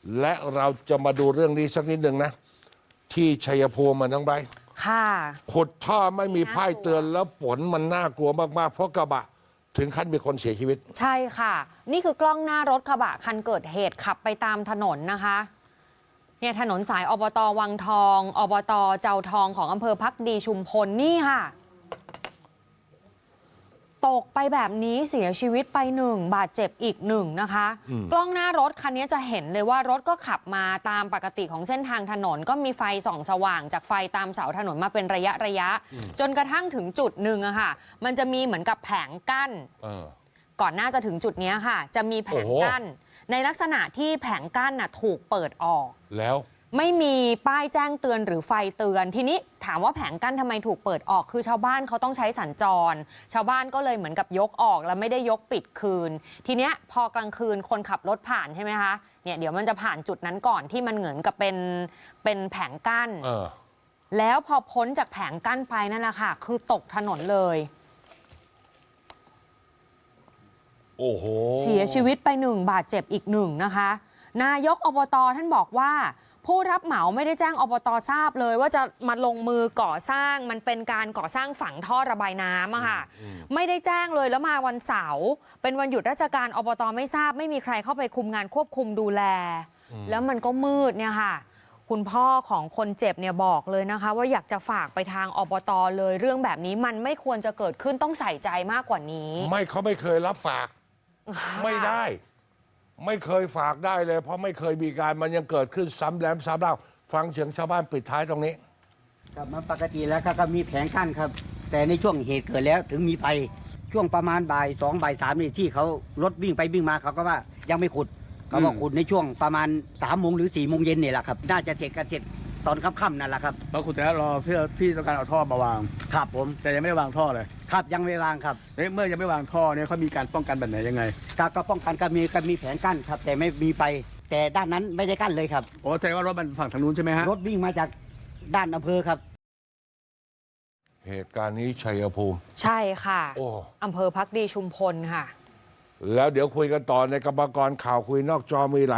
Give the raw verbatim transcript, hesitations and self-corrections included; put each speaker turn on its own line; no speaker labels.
และเราจะมาดูเรื่องนี้สักนิดหนึ่งนะที่ชัยภูมิมันทั้งใบ
ค่ะ
ขุดท่อไม่มีป้ายเตือนแล้วฝนมันน่ากลัวมากๆเพราะกระบะถึงขั้นมีคนเสียชีวิต
ใช่ค่ะนี่คือกล้องหน้ารถกระบะคันเกิดเหตุขับไปตามถนนนะคะเนี่ยถนนสายอบต.วังทองอบต.เจ้าทองของอำเภอภักดีชุมพลนี่ค่ะตกไปแบบนี้เสียชีวิตไปหนึ่งบาดเจ็บอีกหนึ่งนะคะกล้องหน้ารถคันนี้จะเห็นเลยว่ารถก็ขับมาตามปกติของเส้นทางถนนก็มีไฟส่องสว่างจากไฟตามเสาถนนมาเป็นระยะระยะจนกระทั่งถึงจุดหนึ่งอะค่ะมันจะมีเหมือนกับแผงกั้นก่อนหน้าจะถึงจุดนี้ค่ะจะมีแผงกั้นในลักษณะที่แผงกั้นน่ะถูกเปิดออก
แล้ว
ไม่มีป้ายแจ้งเตือนหรือไฟเตือนทีนี้ถามว่าแผงกั้นทำไมถูกเปิดออกคือชาวบ้านเขาต้องใช้สัญจรชาวบ้านก็เลยเหมือนกับยกออกแล้วไม่ได้ยกปิดคืนทีเนี้ยพอกลางคืนคนขับรถผ่านใช่ไหมคะเนี่ยเดี๋ยวมันจะผ่านจุดนั้นก่อนที่มันเหมือนกับเป็นเป็นแผงกั้นแล้วพอพ้นจากแผงกั้นไปนั่นแหละค่ะคือตกถนนเลย
โอ้โห
เสียชีวิตไปหนึ่งบาดเจ็บอีกหนึ่งนะคะนายกอบต.ท่านบอกว่าผู้รับเหมาไม่ได้แจ้งอบต.ทราบเลยว่าจะมาลงมือก่อสร้างมันเป็นการก่อสร้างฝังท่อระบายน้ำอะค่ะไม่ได้แจ้งเลยแล้วมาวันเสาร์เป็นวันหยุดราชการอบต.ไม่ทราบไม่มีใครเข้าไปคุมงานควบคุมดูแลแล้วมันก็มืดเนี่ยค่ะคุณพ่อของคนเจ็บเนี่ยบอกเลยนะคะว่าอยากจะฝากไปทางอบต.เลยเรื่องแบบนี้มันไม่ควรจะเกิดขึ้นต้องใส่ใจมากกว่านี้
ไม่เขาไม่เคยรับฝากไม่ได้ไม่เคยฝากได้เลยเพราะไม่เคยมีการมันยังเกิดขึ้นซ้ำแล้วซ้ำเล่าฟังเสียงชาวบ้านปิดท้ายตรงนี้
ครับมันปกติแล้วก็มีแผงกั้นครับแต่ในช่วงเหตุเกิดแล้วถึงมีไฟช่วงประมาณบ่ายสองบ่ายสามนี่ที่เขารถวิ่งไปวิ่งมาเขาก็ว่ายังไม่ขุดเขาบอกขุดในช่วงประมาณสามโมงหรือสี่โมงเย็นนี่แหละครับน่าจะเสร็จกันเสร็จตอนค่ำๆนั่นแหละครับ
เราขุดแล้วรอเพื่อพี่ต้องการเอาท่อมาวาง
ครับผม
แต่ยังไม่ได้วางท่อเลย
ครับยังไม่วางครับ
เมื่อยังไม่วางท่อเนี่ยเขามีการป้องกันแบบไหนยังไง
ก็ป้องกันก็มีก็มีแผงกั้นครับแต่ไม่มีไฟแต่ด้านนั้นไม่ได้กั้นเลยครับ
โอ้แสดงว่ารถมันฝั่งทางนู้นใช่ไหมฮะ
รถวิ่งมาจากด้านอำเภอครับ
เหตุการณ์นี้ชัยภูมิ
ใช่ค่ะอำเภอภักดีชุมพลค่ะ
แล้วเดี๋ยวคุยกันต่อในกรรมกรข่าวคุยนอกจอมีหลาย